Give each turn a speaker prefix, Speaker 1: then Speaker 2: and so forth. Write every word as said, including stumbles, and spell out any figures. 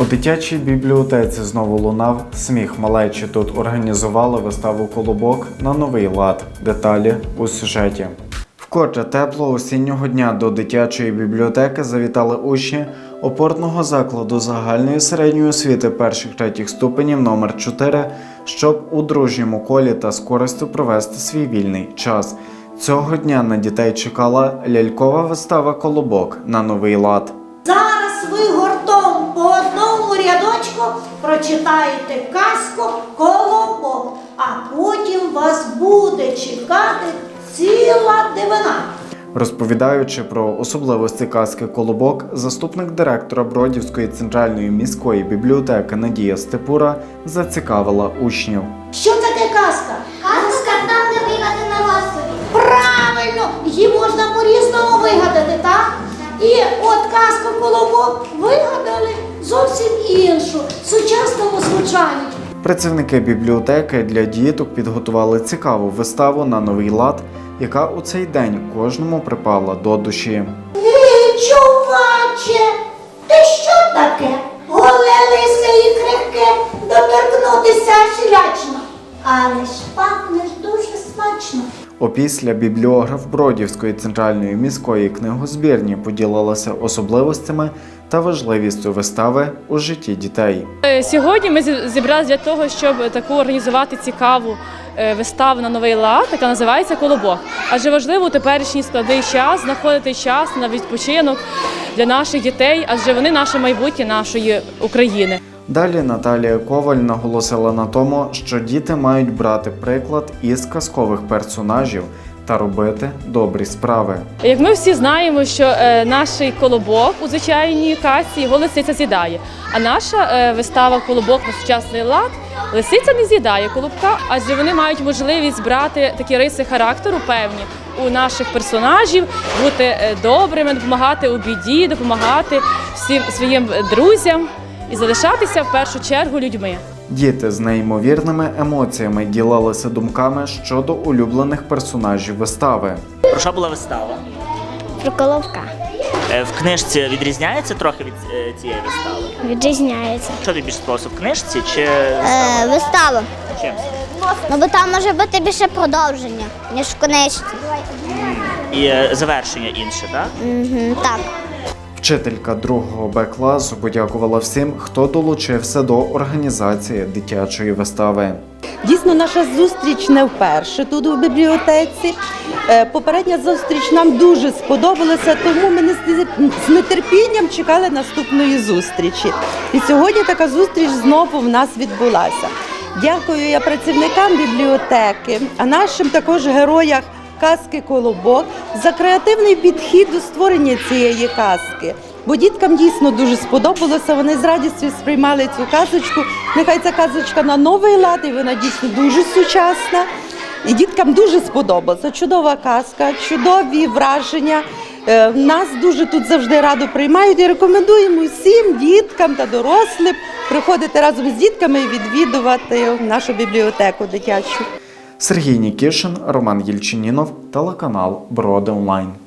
Speaker 1: У дитячій бібліотеці знову лунав сміх малечі. Тут організували виставу «Колобок» на новий лад. Деталі у сюжеті. Вкотре тепло осіннього дня до дитячої бібліотеки завітали учні опорного закладу загальної середньої освіти перших-третіх ступенів номер чотири, щоб у дружньому колі та з користю провести свій вільний час. Цього дня на дітей чекала лялькова вистава «Колобок» на новий лад.
Speaker 2: Зараз ви гуртом по одному рядочку прочитаєте казку «Колобок», а потім вас буде чекати ціла дивина.
Speaker 1: Розповідаючи про особливості казки «Колобок», заступник директора Бродівської центральної міської бібліотеки Надія Степура зацікавила учнів.
Speaker 2: Що таке казка?
Speaker 3: Казка там, де вигадана розповідь.
Speaker 2: Правильно! Її можна по-різному вигадати, так? І от казку «Колобок» вигадали зовсім іншу, в сучасному звучанні.
Speaker 1: Працівники бібліотеки для діток підготували цікаву виставу на новий лад, яка у цей день кожному припала до душі.
Speaker 2: Ей, чуваче, ти що таке? Голе, лисе і крихке, доторкнутися аж лячно. Але ж пахнеш дуже смачно.
Speaker 1: Опісля бібліограф Бродівської центральної міської книгозбірні поділилася особливостями та важливістю вистави у житті дітей.
Speaker 4: Сьогодні ми зібралися для того, щоб таку організувати цікаву виставу на новий лад, яка називається «Колобок». Адже важливо у теперішній складний час знаходити час на відпочинок для наших дітей, адже вони наше майбутнє нашої України.
Speaker 1: Далі Наталія Коваль наголосила на тому, що діти мають брати приклад із казкових персонажів та робити добрі справи.
Speaker 4: Як ми всі знаємо, що е, наш колобок у звичайній казці його лисиця з'їдає, а наша е, вистава «Колобок» на сучасний лад лисиця не з'їдає колобка, адже вони мають можливість брати такі риси характеру певні у наших персонажів, бути е, добрими, допомагати у біді, допомагати всім своїм друзям і залишатися в першу чергу людьми.
Speaker 1: Діти з неймовірними емоціями ділилися думками щодо улюблених персонажів вистави.
Speaker 5: Про що була вистава?
Speaker 3: Про Колобка.
Speaker 5: Е, В книжці відрізняється трохи від е, цієї вистави?
Speaker 3: Відрізняється.
Speaker 5: Що тобі більше сподобалося, в книжці чи
Speaker 3: Е,
Speaker 5: вистава?
Speaker 3: вистава.
Speaker 5: Чим?
Speaker 3: Ну, бо там може бути більше продовження, ніж в книжці.
Speaker 5: І е, завершення інше, так?
Speaker 3: Угу, так.
Speaker 1: Вчителька другого Б класу подякувала всім, хто долучився до організації дитячої вистави.
Speaker 6: Дійсно, наша зустріч не вперше тут у бібліотеці. Е, Попередня зустріч нам дуже сподобалася, тому ми не з- з нетерпінням чекали наступної зустрічі. І сьогодні така зустріч знову в нас відбулася. Дякую я працівникам бібліотеки, а нашим також героям казки «Колобок» за креативний підхід до створення цієї казки. Бо діткам дійсно дуже сподобалося, вони з радістю сприймали цю казочку. Нехай ця казочка на новий лад, і вона дійсно дуже сучасна. І діткам дуже сподобалася. Чудова казка, чудові враження. Е, Нас дуже тут завжди радо приймають і рекомендуємо всім діткам та дорослим приходити разом з дітками і відвідувати нашу бібліотеку дитячу.
Speaker 1: Сергій Нікішин, Роман Єльчинінов, телеканал Броди Онлайн.